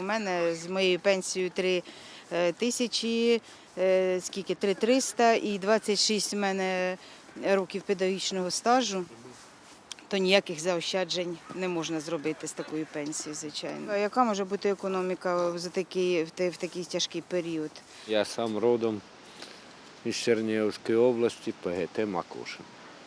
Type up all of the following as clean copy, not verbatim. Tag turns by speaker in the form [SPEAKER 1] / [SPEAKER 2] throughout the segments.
[SPEAKER 1] мене з моєю пенсією 3 тисячі, 3,300 і 26 в мене років педагогічного стажу, то ніяких заощаджень не можна зробити з такою пенсією, звичайно. А яка може бути економіка в такий тяжкий період?
[SPEAKER 2] Я сам родом із Чернігівської області, ПГТ Макуша.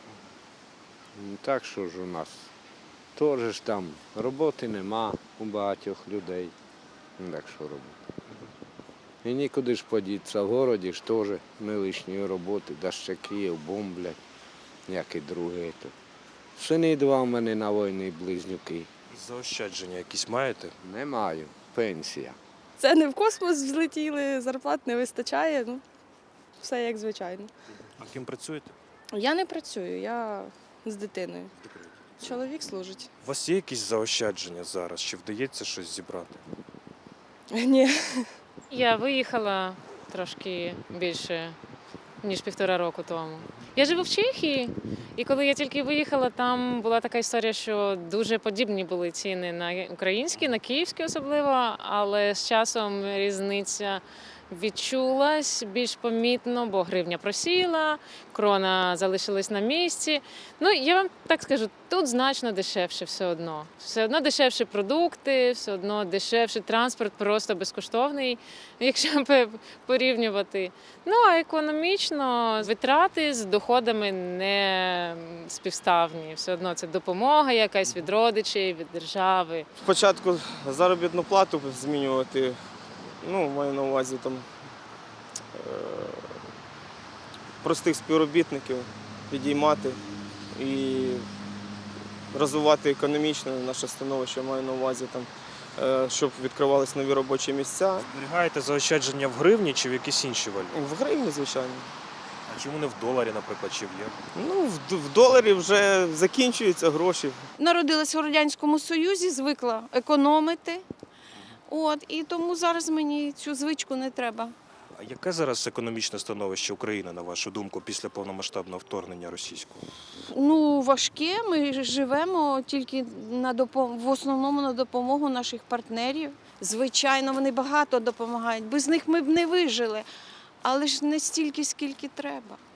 [SPEAKER 2] Так що ж у нас теж ж там роботи нема у багатьох людей. Так що робити. І нікуди ж подітися, в городі ж теж не лишньої роботи, да ще Київ бомблять, як і друге. Сини два в мене на війні близнюки.
[SPEAKER 3] Заощадження якісь маєте?
[SPEAKER 2] Не маю, пенсія.
[SPEAKER 4] Це не в космос взлетіли, зарплат не вистачає, все як звичайно.
[SPEAKER 3] А ким працюєте?
[SPEAKER 4] Я не працюю, я з дитиною. Чоловік служить.
[SPEAKER 3] У вас є якісь заощадження зараз? Чи вдається щось зібрати?
[SPEAKER 4] Ні.
[SPEAKER 5] Я виїхала трошки більше, ніж 1,5 року тому. Я живу в Чехії, і коли я тільки виїхала, там була така історія, що дуже подібні були ціни на українські, на київські особливо, але з часом різниця відчулась більш помітно, бо гривня просіла, крона залишилась на місці. Я вам так скажу, тут значно дешевше все одно. Все одно дешевші продукти, все одно дешевший транспорт, просто безкоштовний, якщо порівнювати. А економічно витрати з доходами не співставні. Все одно це допомога якась від родичів, від держави.
[SPEAKER 6] Спочатку заробітну плату змінювати. Маю на увазі простих співробітників підіймати і розвивати економічно наше становище, маю на увазі, щоб відкривалися нові робочі місця.
[SPEAKER 3] Зберігаєте заощадження в гривні чи в якісь інші валюті?
[SPEAKER 6] В гривні, звичайно.
[SPEAKER 3] А чому не в доларі, наприклад, чи в євро?
[SPEAKER 6] В доларі вже закінчуються гроші.
[SPEAKER 7] Народилась в Радянському Союзі, звикла економити. І тому зараз мені цю звичку не треба.
[SPEAKER 3] А яке зараз економічне становище України, на вашу думку, після повномасштабного вторгнення російського?
[SPEAKER 7] Важке. Ми живемо тільки в основному на допомогу наших партнерів. Звичайно, вони багато допомагають. Без них ми б не вижили. Але ж не стільки, скільки треба.